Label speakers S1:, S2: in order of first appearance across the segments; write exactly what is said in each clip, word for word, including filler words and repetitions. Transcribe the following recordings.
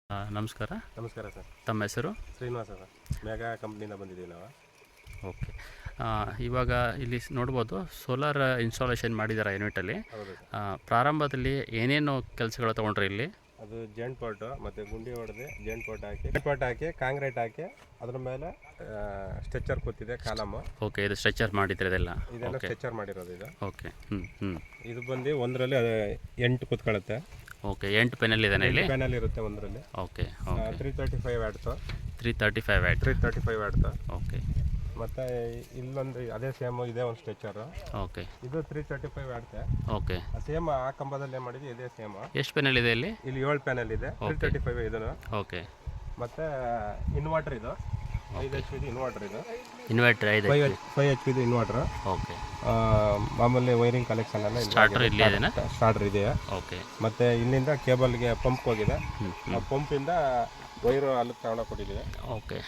S1: ಆ, ನಮಸ್ಕಾರ.
S2: ನಮಸ್ಕಾರ ಸರ್.
S1: ತಮ್ಮ ಹೆಸರು?
S2: ಶ್ರೀನಿವಾಸ ಸರ್. ಮೆಗಾ ಕಂಪ್ನಿಯಿಂದ ಬಂದಿದ್ದೀವಿ ನಾವು.
S1: ಓಕೆ. ಆ, ಇವಾಗ ಇಲ್ಲಿ ಸ್- ನೋಡ್ಬೋದು ಸೋಲಾರ್ ಇನ್ಸ್ಟಾಲೇಷನ್ ಮಾಡಿದ್ದಾರೆ ಯೂನಿಟಲ್ಲಿ.
S2: ಹೌದು ಸರ್.
S1: ಆ, ಪ್ರಾರಂಭದಲ್ಲಿ ಏನೇನು ಕೆಲಸಗಳು ತೊಗೊಂಡ್ರಿ ಇಲ್ಲಿ?
S2: ಅದು ಜೆಂಟ್ ಪಾಟು ಮತ್ತು ಗುಂಡಿ ಹೊಡೆದು ಜೆಂಟ್ ಪಾಟ್ ಹಾಕಿ ಜೆಂಟ್ ಪಾಟ್ ಹಾಕಿ ಕಾಂಕ್ರೀಟ್ ಹಾಕಿ ಅದ್ರ ಮೇಲೆ ಸ್ಟ್ರೆಚರ್ ಕೂತಿದೆ ಕಾಲಮ್ಮು.
S1: ಓಕೆ, ಇದು ಸ್ಟ್ರೆಚರ್ ಮಾಡಿದ್ರೆ ಇದೆಲ್ಲ?
S2: ಇದೆಲ್ಲ
S1: ಓಕೆ
S2: ಸ್ಟ್ರೆಚರ್ ಮಾಡಿರೋದು ಇದು.
S1: ಓಕೆ. ಹ್ಞೂ ಹ್ಞೂ
S2: ಇದು ಬಂದು ಒಂದರಲ್ಲಿ ಅದು ಎಂಟು ಕೂತ್ಕೊಳ್ಳುತ್ತೆ.
S1: ಓಕೆ, ಎಂಟು ಪೆನಲ್ ಇದ್ದಾನೆ ಇಲ್ಲಿ?
S2: ಪ್ಯಾನಲ್ ಇರುತ್ತೆ ಒಂದರಲ್ಲಿ.
S1: Okay okay.
S2: Three thirty five ಆಡ್ತು
S1: ತ್ರೀ ತರ್ಟಿ ಫೈವ್ ಆಯ್ತು.
S2: ತ್ರೀ ತರ್ಟಿ ಫೈವ್ ಆಡ್ತು.
S1: ಓಕೆ
S2: ಮತ್ತು ಇಲ್ಲೊಂದು ಅದೇ ಸೇಮು ಇದೆ ಒಂದು ಸ್ಟ್ರೆಚರು.
S1: ಓಕೆ
S2: ಇದು ತ್ರೀ ತರ್ಟಿ ಫೈವ್ ಆಡ್ತೆ.
S1: ಓಕೆ.
S2: ಸೇಮ್ ಆ ಕಂಬದಲ್ಲೇ ಮಾಡಿದ್ದು ಇದೇ ಸೇಮ್.
S1: ಎಷ್ಟು ಪೆನಲ್ ಇದೆ ಇಲ್ಲಿ?
S2: ಇಲ್ಲಿ ಏಳು ಪ್ಯಾನಲ್ ಇದೆ. ತ್ರೀ ತರ್ಟಿ ಫೈವ್ ಇದನ್ನು.
S1: ಓಕೆ.
S2: ಮತ್ತು ಇನ್ವರ್ಟರ್ ಇದು ಐದು ಎಚ್ ಪಿದು ಇನ್ವರ್ಟರ್ ಇದು.
S1: ಇನ್ವರ್ಟರ್ ಐದು?
S2: ಫೈವ್ ಫೈವ್ ಎಚ್ ಪಿದು ಇನ್ವರ್ಟರ್.
S1: ಓಕೆ.
S2: ಮಾಮೂಲಿ ವೈರಿಂಗ್ ಕಲೆಕ್ಷನ್ ಎಲ್ಲ
S1: ಸ್ಟಾರ್ಟರ್ ಇಲ್ಲಿ ಇದೆನಾ?
S2: ಸ್ಟಾರ್ಟರ್ ಇದೆಯಾ.
S1: ಓಕೆ.
S2: ಮತ್ತು ಇಲ್ಲಿಂದ ಕೇಬಲ್ಗೆ ಪಂಪ್ ಹೋಗಿದೆ. ಆ ಪಂಪಿಂದ ವೈರು ಅಲ್ಲಿ ತಗೊಂಡೋಗಿ ಕೊಟ್ಟಿದ್ದೀವಿ.
S1: Okay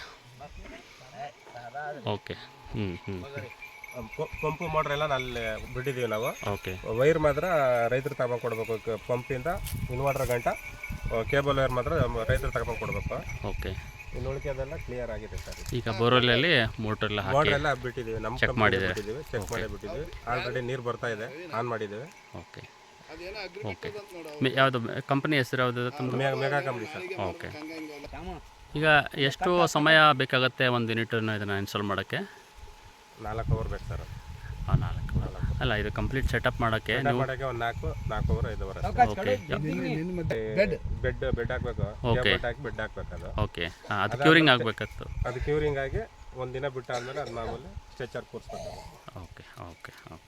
S1: okay. ಹ್ಞೂ ಹ್ಞೂ
S2: ಪಂಪು ಮೋಟ್ರ್ ಎಲ್ಲ ಅಲ್ಲಿ ಬಿಟ್ಟಿದ್ದೀವಿ ನಾವು.
S1: ಓಕೆ.
S2: ವೈರ್ ಮಾತ್ರ ರೈತರು ತಗೊಂಡು ಕೊಡಬೇಕು. ಪಂಪಿಂದ ಇನ್ವರ್ಟರ್ ಗಂಟ ಕೇಬಲ್ ವೈರ್ ಮಾತ್ರ ರೈತರು ತಗೊಂಡು ಕೊಡಬೇಕು.
S1: ಓಕೆ.
S2: ಇನ್ನು ಉಳಿಕೆದೆಲ್ಲ ಕ್ಲಿಯರ್ ಆಗಿದೆ ಸರ್.
S1: ಈಗ ಬೋರ್ವೆಲ್ಲಲ್ಲಿ ಮೋಟ್ರ್ ಎಲ್ಲ ಹಾಕಿ
S2: ಮೋಟ್ರ್ ಎಲ್ಲ ಬಿಟ್ಟಿದ್ದೀವಿ. ನಮ್ಮ
S1: ಚೆಕ್ ಮಾಡಿದ್ದೀವಿ.
S2: ಬಿಟ್ಟಿದ್ದೀವಿ ಚೆಕ್ ಮಾಡಿ ಬಿಟ್ಟಿದ್ದೀವಿ. ಆಲ್ರೆಡಿ ನೀರು ಬರ್ತಾ ಇದೆ, ಆನ್ ಮಾಡಿದ್ದೀವಿ.
S1: Okay okay. ಮೆ- ಯಾವುದು ಕಂಪನಿ ಹೆಸರು ಯಾವುದು ತಮ್ಮದು?
S2: ಮೆ- ಮೆಗಾ ಕಂಪ್ನಿ ಸರ್.
S1: ಓಕೆ. ಈಗ ಎಷ್ಟು ಸಮಯ ಬೇಕಾಗುತ್ತೆ ಒಂದು ಯೂನಿಟನ್ನು ಇದನ್ನು ಇನ್ಸ್ಟಾಲ್ ಮಾಡೋಕ್ಕೆ?
S2: ನಾಲ್ಕು ಅವರ್ ಬೇಕು ಸರ್.
S1: ಹಾಂ, ನಾಲ್ಕು ಅಲ್ಲ, ಇದು ಕಂಪ್ಲೀಟ್ ಸೆಟಪ್ ಮಾಡೋಕ್ಕೆ ನೀವು?
S2: ಮಾಡೋಕ್ಕೆ ಒಂದು ನಾಲ್ಕು ನಾಲ್ಕು ಅವರ್ ಐದು ಅವರ್.
S1: ಓಕೆ
S2: ಬೆಡ್ ಬೆಡ್ ಹಾಕ್ಬೇಕು.
S1: ಓಕೆ.
S2: ಬೆಡ್ ಹಾಕಿ ಬೆಡ್ ಹಾಕ್ಬೇಕು. ಅದು
S1: ಓಕೆ. ಹಾಂ, ಅದು ಕ್ಯೂರಿಂಗ್ ಆಗಬೇಕತ್ತು?
S2: ಅದು ಕ್ಯೂರಿಂಗ್ ಆಗಿ ಒಂದು ದಿನ ಬಿಟ್ಟು ಆದಮೇಲೆ ಅದು ಮಾಮೂಲಿ ಸ್ಟ್ರೆಚರ್ ಕೂರಿಸ್ಬೇಕು.
S1: Okay okay okay.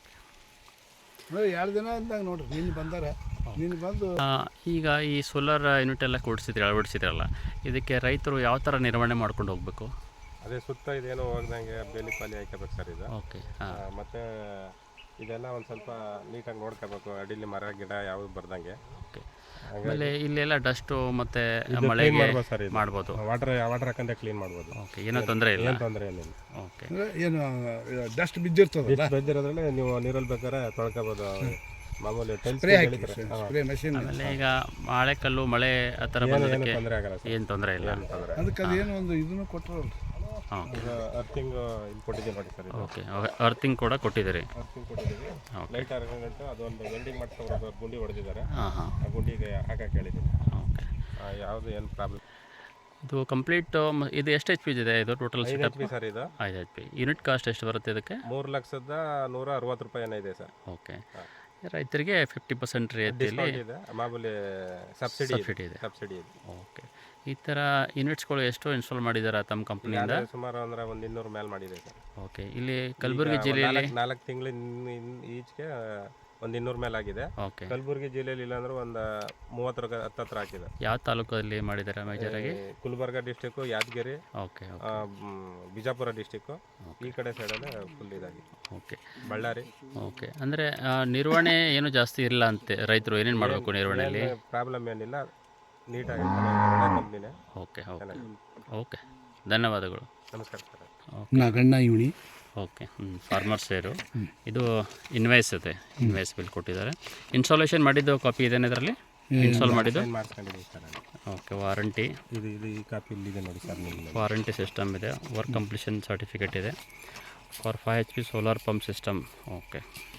S3: ಎರಡು ದಿನ ಅಂದಾಗ ನೋಡ್ರಿ ನೀನು ಬಂದಾರ ನೀನು ಬಂದು
S1: ಆ, ಈಗ ಈ ಸೋಲಾರ್ ಯೂನಿಟ್ ಎಲ್ಲ ಕೊಡಿಸಿದ್ರಿ, ಅಳವಡಿಸಿದ್ರಲ್ಲ, ಇದಕ್ಕೆ ರೈತರು ಯಾವ ಥರ ನಿರ್ವಹಣೆ ಮಾಡ್ಕೊಂಡು ಹೋಗಬೇಕು?
S2: ಅದೇ ಸುತ್ತ ಇದೇನೋ ಹೋಗ್ದಂಗೆ ಬೇಲಿ ಪಾಲಿ ಹಾಕಬೇಕು ಸರ್ ಇದು.
S1: ಓಕೆ.
S2: ಆ,
S1: ಹಾಂ
S2: ಮತ್ತೆ ಇದೆಲ್ಲ ಒಂದು ಸ್ವಲ್ಪ ನೀಟಾಗಿ ನೋಡ್ಕೋಬೇಕು. ಅಡಿಲಿ ಮರ ಗಿಡ ಯಾವುದು ಬರ್ದಂಗೆ.
S1: ಓಕೆ. ಆಮೇಲೆ ಇಲ್ಲೆಲ್ಲ ಡಸ್ಟು ಮತ್ತು
S2: ಕ್ಲೀನ್
S1: ಮಳೆಗೆ
S2: ಮಾಡ್ಬೋದು ಸರ್ ಇದು.
S1: ಮಾಡ್ಬೋದು?
S2: ವಾಟರ್ ವಾಟರ್ ಹಾಕಂತ ಕ್ಲೀನ್ ಮಾಡ್ಬೋದು.
S1: ಓಕೆ, ಏನೋ ತೊಂದರೆ ಇಲ್ಲ?
S2: ಏನು ತೊಂದರೆ ಏನಿಲ್ಲ.
S1: ಓಕೆ.
S3: ಅಂದ್ರೆ ಏನು ಡಸ್ಟ್ ಬಿದ್ದಿರ್ತದಲ್ಲ
S2: ಬೆದ್ದಿರೋದ್ರಲ್ಲಿ ನೀವು ನೀರಲ್ಲಿ ಬೇಕಾದ್ರೆ ತೊಳ್ಕೊಬೋದು. ಮಾಮೂಲಿ ಟೈಲ್ಸ್
S3: ಸ್ಪ್ರೇ ಹಾಕಿ ಸ್ಪ್ರೇ ಮಷೀನ್
S1: ಆಮೇಲೆ ಈಗ ಮಳೆ ಕಲ್ಲು ಮಳೆ ಆ ಥರ ಬಂದೋದಕ್ಕೆ
S2: ತೊಂದರೆ ಆಗಲ್ಲ ಸರ್.
S1: ಏನು ತೊಂದರೆ ಇಲ್ಲ?
S2: ತೊಂದರೆ
S3: ಅದಕ್ಕೆ ಅದೇನು ಒಂದು ಇದನ್ನು ಕೊಟ್ಟರಲ್ಲ
S1: ಓಕೆ
S2: ಅರ್ಥಿಂಗ್ ಇಲ್ಲಿ ಕೊಟ್ಟಿದ್ದೀವಿ ನೋಡಿ ಸರ್. ಇದು
S1: ಓಕೆ. ಅರ್ತಿಂಗ್ ಕೂಡ ಕೊಟ್ಟಿದ್ದೀರಿ?
S2: ಅರ್ಥಿಂಗ್ ಕೊಟ್ಟಿದ್ದೀವಿ.
S1: ಓಕೆ.
S2: ಲೈಟ್ ಅರ್ಗಂಟು ಅದೊಂದು ವೆಲ್ಡಿಂಗ್ ಮಾಡ್ಸ್ಕೊಂಡು ಗುಂಡಿ ಹೊಡೆದಿದ್ದಾರೆ.
S1: ಹಾಂ ಹಾಂ.
S2: ಆ ಗುಂಡಿಗೆ ಹಾಕಕ್ಕೆ ಹೇಳಿದ್ದೀನಿ.
S1: ಓಕೆ.
S2: ಯಾವುದು ಏನು ಪ್ರಾಬ್ಲಮ್.
S1: ಇದು ಕಂಪ್ಲೀಟ್ ಇದು ಎಷ್ಟು ಎಚ್ ಪಿ ಇದೆ ಇದು ಟೋಟಲ್
S2: ಐದು ಎಚ್
S1: ಸೆಟಪ್?
S2: ಪಿ ಸರ್ ಇದು.
S1: ಐದು ಎಚ್ ಪಿ. ಯೂನಿಟ್ ಕಾಸ್ಟ್ ಎಷ್ಟು ಬರುತ್ತೆ ಇದಕ್ಕೆ?
S2: ಮೂರು ಲಕ್ಷದ ನೂರ ಅರವತ್ತು ರೂಪಾಯಿ ಏನೋ ಇದೆ ಸರ್.
S1: ಓಕೆ. ರೈತರಿಗೆ ಫಿಫ್ಟಿ ಪರ್ಸೆಂಟ್ ರಿಯಾಯಿತಿಯಲ್ಲಿ
S2: ಡಿಸ್ಕೌಂಟ್ ಇದೆ. ಮಾಮೂಲಿ ಸಬ್ಸಿಡಿ
S1: ಸಬ್ಸಿಡಿ ಇದೆ?
S2: ಸಬ್ಸಿಡಿ ಇದೆ.
S1: ಓಕೆ. ಈ ಥರ ಯೂನಿಟ್ಸ್ಗಳು ಎಷ್ಟು ಇನ್ಸ್ಟಾಲ್ ಮಾಡಿದ್ದಾರೆ ತಮ್ಮ ಕಂಪ್ನಿಯಿಂದ?
S2: ನಾನು ಸುಮಾರು ಅಂದ್ರೆ ಒಂದು ಇನ್ನೂರು ಮೇಲೆ ಮಾಡಿದೆ ಸರ್.
S1: ಓಕೆ. ಇಲ್ಲಿ ಕಲಬುರಗಿ ಜಿಲ್ಲೆಯಲ್ಲಿ?
S2: ನಾಲ್ಕು ತಿಂಗಳು ಈಚೆಗೆ ಒಂದು ಇನ್ನೂರು ಮೇಲೆ ಆಗಿದೆ.
S1: ಓಕೆ.
S2: ಕಲಬುರಗಿ ಜಿಲ್ಲೆಯಲ್ಲಿ ಇಲ್ಲಾಂದ್ರೆ ಒಂದು ಮೂವತ್ತರ ಹತ್ತತ್ರ ಹಾಕಿದೆ.
S1: ಯಾವ ತಾಲೂಕಲ್ಲಿ ಮಾಡಿದ್ದಾರೆ ಮೇಜರಾಗಿ?
S2: ಗುಲ್ಬರ್ಗ ಡಿಸ್ಟಿಕ್ಕು, ಯಾದಗಿರಿ,
S1: ಓಕೆ
S2: ಆ, ಮ್, ಬಿಜಾಪುರ ಡಿಸ್ಟಿಕ್ಕು, ಈ ಕಡೆ ಸೈಡಲ್ಲೇ ಫುಲ್ ಇದಾಗಿದೆ.
S1: ಓಕೆ
S2: ಬಳ್ಳಾರಿ.
S1: ಓಕೆ. ಅಂದರೆ ನಿರ್ವಹಣೆ ಏನು ಜಾಸ್ತಿ ಇಲ್ಲ ಅಂತೆ, ರೈತರು ಏನೇನು ಮಾಡಬೇಕು ನಿರ್ವಹಣೆಯಲ್ಲಿ?
S2: ಪ್ರಾಬ್ಲಮ್ ಏನಿಲ್ಲ, ನೀಟಾಗಿ ಒಳ್ಳೆ ಕಂಪ್ನಿನೇ.
S1: Okay okay okay. ಧನ್ಯವಾದಗಳು.
S2: ನಮಸ್ಕಾರ ಸರ್.
S3: ನಾಗಣ್ಣ ಇವಣಿ
S1: ಓಕೆ. ಹ್ಞೂ ಫಾರ್ಮರ್ಸ್ ವೇರು. ಇದು ಇನ್ವಾಯ್ಸ್ ಇದೆ, ಇನ್ವಾಯ್ಸ್ ಬಿಲ್ ಕೊಟ್ಟಿದ್ದಾರೆ. ಇನ್ಸ್ಟಾಲೇಷನ್ ಮಾಡಿದ್ದು ಕಾಪಿ ಇದೆ ಇದರಲ್ಲಿ? ಇನ್ಸ್ಟಾಲ್ ಮಾಡಿದ್ದು?
S2: ಏನು ಮಾಡಿಸ್ಕೊಂಡಿದ್ದೀವಿ ಸರ್.
S1: ಓಕೆ. ವಾರಂಟಿ
S2: ಇದು ಇದು ಈ ಕಾಪಿ ಇಲ್ಲಿದೆ ನೋಡಿ ಸರ್. ನಿಮಗೆ
S1: ವಾರಂಟಿ ಸಿಸ್ಟಮ್ ಇದೆ. ವರ್ಕ್ ಕಂಪ್ಲೀಷನ್ ಸರ್ಟಿಫಿಕೇಟ್ ಇದೆ for five H P solar pump system. Okay.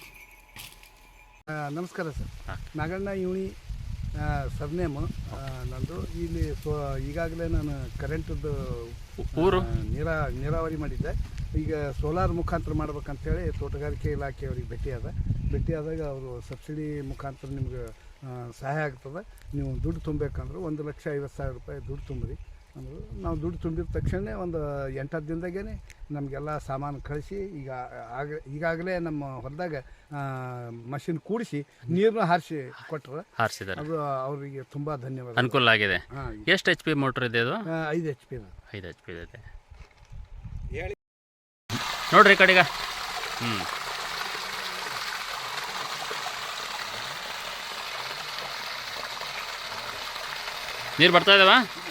S3: ನಮಸ್ಕಾರ ಸರ್.
S1: ಹಾಂ.
S3: ನಾಗಣ್ಣ ಇವಣಿ ಸರ್ನೇಮು ನಂದು. ಇಲ್ಲಿ ಸೊ ಈಗಾಗಲೇ ನಾನು ಕರೆಂಟದ್ದು
S1: ಊರು?
S3: ನೀರಾ ನೀರಾವರಿ ಮಾಡಿದ್ದೆ. ಈಗ ಸೋಲಾರ್ ಮುಖಾಂತರ ಮಾಡ್ಬೇಕಂತೇಳಿ ತೋಟಗಾರಿಕೆ ಇಲಾಖೆಯವ್ರಿಗೆ ಭೇಟಿಯಾದ ಭೇಟಿಯಾದಾಗ ಅವರು ಸಬ್ಸಿಡಿ ಮುಖಾಂತರ ನಿಮ್ಗೆ ಸಹಾಯ ಆಗ್ತದೆ, ನೀವು ದುಡ್ಡು ತುಂಬಬೇಕಂದ್ರೆ ಒಂದು ಲಕ್ಷ ಐವತ್ತು ಸಾವಿರ ರೂಪಾಯಿ ದುಡ್ಡು ತುಂಬ್ರಿ ಅಂದರು. ನಾವು ದುಡ್ಡು ತುಂಬಿದ ತಕ್ಷಣ ಒಂದು ಎಂಟತ್ತು ದಿನದಾಗೇ ನಮಗೆಲ್ಲ ಸಾಮಾನು ಕಳಿಸಿ ಈಗ ಆಗ ಈಗಾಗಲೇ ನಮ್ಮ ಹೊಲದಾಗ ಮಷಿನ್ ಕೂಡಿಸಿ ನೀರನ್ನು ಹಾರಿಸಿ ಕೊಟ್ಟರು.
S1: ಹಾರಿಸಿದ್ದಾರೆ.
S3: ಅದು ಅವರಿಗೆ ತುಂಬ ಧನ್ಯವಾದ.
S1: ಅನುಕೂಲ ಆಗಿದೆ.
S3: ಹಾಂ.
S1: ಎಷ್ಟು ಎಚ್ ಪಿ ಮೋಟ್ರ್ ಇದೆ ಅದು?
S3: ಐದು ಎಚ್ ಪಿ
S1: ಐದು ಎಚ್ ಪಿ ಇದೆ. ನೋಡ್ರಿ ಈ ಕಡೆಗ. ಹ್ಞೂ. ನೀರು ಬರ್ತಾ ಇದಾವ?